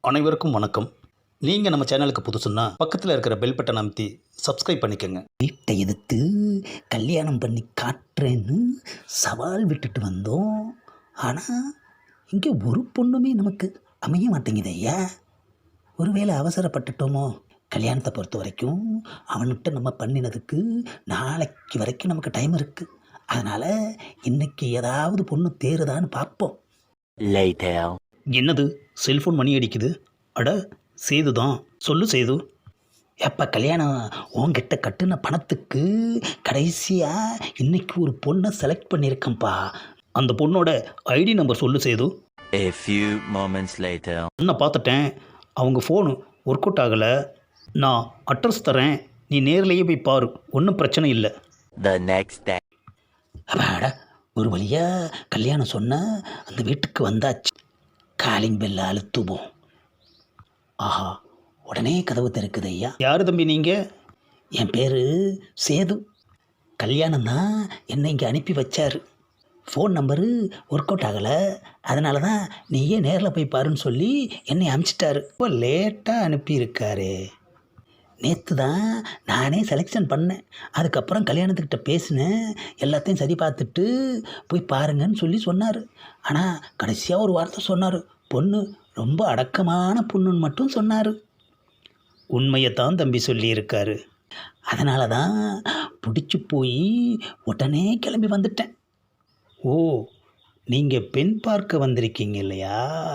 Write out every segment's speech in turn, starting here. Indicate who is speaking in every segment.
Speaker 1: அனைவருக்கும் வணக்கம். நீங்கள் நம்ம சேனலுக்கு புதுசுன்னா பக்கத்தில் இருக்கிற பெல் பட்டன் அமைத்தி சப்ஸ்கிரைப் பண்ணிக்கோங்க.
Speaker 2: வீட்டை எதிர்த்து கல்யாணம் பண்ணி காட்டுறேன்னு சவால் விட்டுட்டு வந்தோம். ஆனால் இங்கே ஒரு பொண்ணுமே நமக்கு அமைய மாட்டேங்குது ஐயா. ஒருவேளை அவசரப்பட்டுட்டோமோ? கல்யாணத்தை பொறுத்த வரைக்கும் அவன்கிட்ட நம்ம பண்ணினதுக்கு நாளைக்கு வரைக்கும் நமக்கு டைம் இருக்குது. அதனால் இன்னைக்கு ஏதாவது பொண்ணு தேறுதான்னு பார்ப்போம்.
Speaker 1: என்னது செல்ஃபோன் மணி அடிக்குது? அட சேது தான். சொல்லு சேது.
Speaker 2: எப்போ கல்யாணம் உன்கிட்ட கட்டுன பணத்துக்கு கடைசியாக இன்னைக்கு ஒரு பொண்ணை செலக்ட் பண்ணியிருக்கேன்ப்பா.
Speaker 1: அந்த பொண்ணோட ஐடி நம்பர் சொல்லு Setu.
Speaker 3: A few moments later.
Speaker 1: நான் பார்த்துட்டேன், அவங்க ஃபோனு ஒர்க் அவுட் ஆகலை. நான் அட்ரஸ் தரேன், நீ நேர்லேயே போய் பாரு, ஒன்றும் பிரச்சனை இல்லை.
Speaker 3: The next day.
Speaker 2: அப்பாடா, ஒரு வழியாக கல்யாணம் சொன்ன அந்த வீட்டுக்கு வந்தாச்சு. காலிங் பெல்ல அழுத்துவோம். ஆஹா, உடனே கதவு திறக்குது ஐயா.
Speaker 1: யார் தம்பி நீங்கள்?
Speaker 2: என் பேர் சேது. கல்யாணம் தான் என்னை இங்கே அனுப்பி வச்சார். ஃபோன் நம்பரு ஒர்க் அவுட் ஆகலை, அதனால தான் நீயே நேரில் போய் பாருன்னு சொல்லி என்னை அனுப்பிச்சிட்டாரு.
Speaker 1: இப்போ லேட்டாக அனுப்பியிருக்காரு.
Speaker 2: நேற்று தான் நானே செலெக்ஷன் பண்ணேன். அதுக்கப்புறம் கல்யாணத்துக்கிட்ட பேசினேன், எல்லாத்தையும் சரி பார்த்துட்டு போய் பாருங்கன்னு சொல்லி சொன்னார். ஆனால் கடைசியாக ஒரு வார்த்தை சொன்னார், பொண்ணு ரொம்ப அடக்கமான பொண்ணுன்னு மட்டும் சொன்னார்.
Speaker 1: உண்மையை தான் தம்பி சொல்லியிருக்காரு.
Speaker 2: அதனால தான் பிடிச்சி போய் உடனே கிளம்பி வந்துட்டேன்.
Speaker 1: ஓ, நீங்கள் பெண் பார்க்க வந்திருக்கீங்க இல்லையா?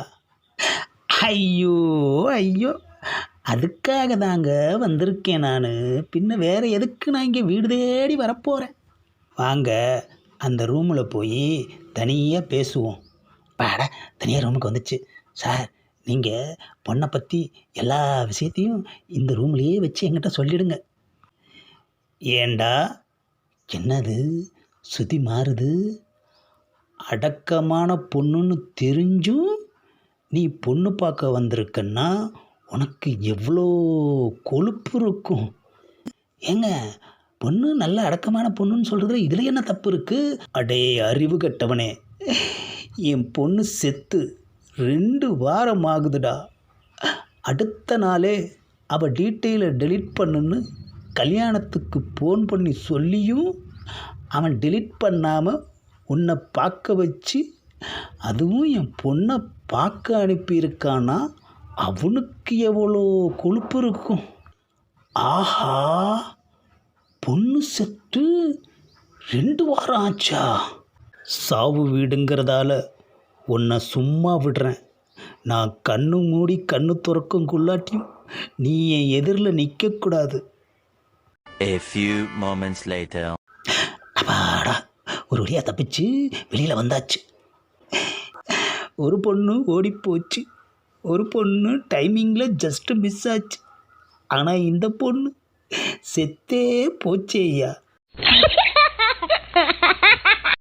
Speaker 2: ஐயோ ஐயோ, அதுக்காக தாங்க வந்திருக்கேன் நான். பின்ன வேறு எதுக்கு நான் இங்கே வீடு தேடி வரப்போகிறேன்.
Speaker 1: வாங்க, அந்த ரூமில் போய் தனியாக பேசுவோம்.
Speaker 2: பாட தனியாக ரூமுக்கு வந்துச்சு. சார், நீங்கள் பொண்ணை பற்றி எல்லா விஷயத்தையும் இந்த ரூம்லேயே வச்சு என்கிட்ட சொல்லிடுங்க.
Speaker 1: ஏண்டா?
Speaker 2: என்னது சுதி மாறுது?
Speaker 1: அடக்கமான பொண்ணுன்னு தெரிஞ்சும் நீ பொண்ணு பார்க்க வந்திருக்கன்னா உனக்கு எவ்வளோ கொழுப்பு இருக்கும்.
Speaker 2: ஏங்க, பொண்ணு நல்ல அடக்கமான பொண்ணுன்னு சொல்கிறதுல இதில் என்ன தப்பு இருக்குது?
Speaker 1: அடே அறிவு கட்டவனே, என் பொண்ணு செத்து 2 வாரம் ஆகுதுடா. அடுத்த நாளே அவள் டீட்டெயிலை டெலீட் பண்ணுன்னு கல்யாணத்துக்கு ஃபோன் பண்ணி சொல்லியும் அவன் டெலீட் பண்ணாமல் உன்னை பார்க்க வச்சு, அதுவும் என் பொண்ணை பார்க்க அனுப்பியிருக்கானா, அவனுக்கு எவ்வளோ கொழுப்பு இருக்கும்.
Speaker 2: ஆஹா, பொண்ணு செத்து 2 வாரம் ஆச்சா?
Speaker 1: சாவு வீடுங்கிறதால உன்னை சும்மா விடுறேன். நான் கண்ணு மூடி கண்ணு துறக்குங்குள்ளாட்டியும் நீ என் எதிரில் நிற்கக்கூடாது.
Speaker 3: A few moments later.
Speaker 2: அப்பாடா, ஒரு வழியாக தப்பிச்சு வெளியில் வந்தாச்சு.
Speaker 1: ஒரு பொண்ணு ஓடிப்போச்சு, ஒரு பொண்ணு டைமிங்கில் ஜஸ்ட்டு மிஸ் ஆச்சு. ஆனால் இந்த பொண்ணு செத்தே போச்சே ஐயா.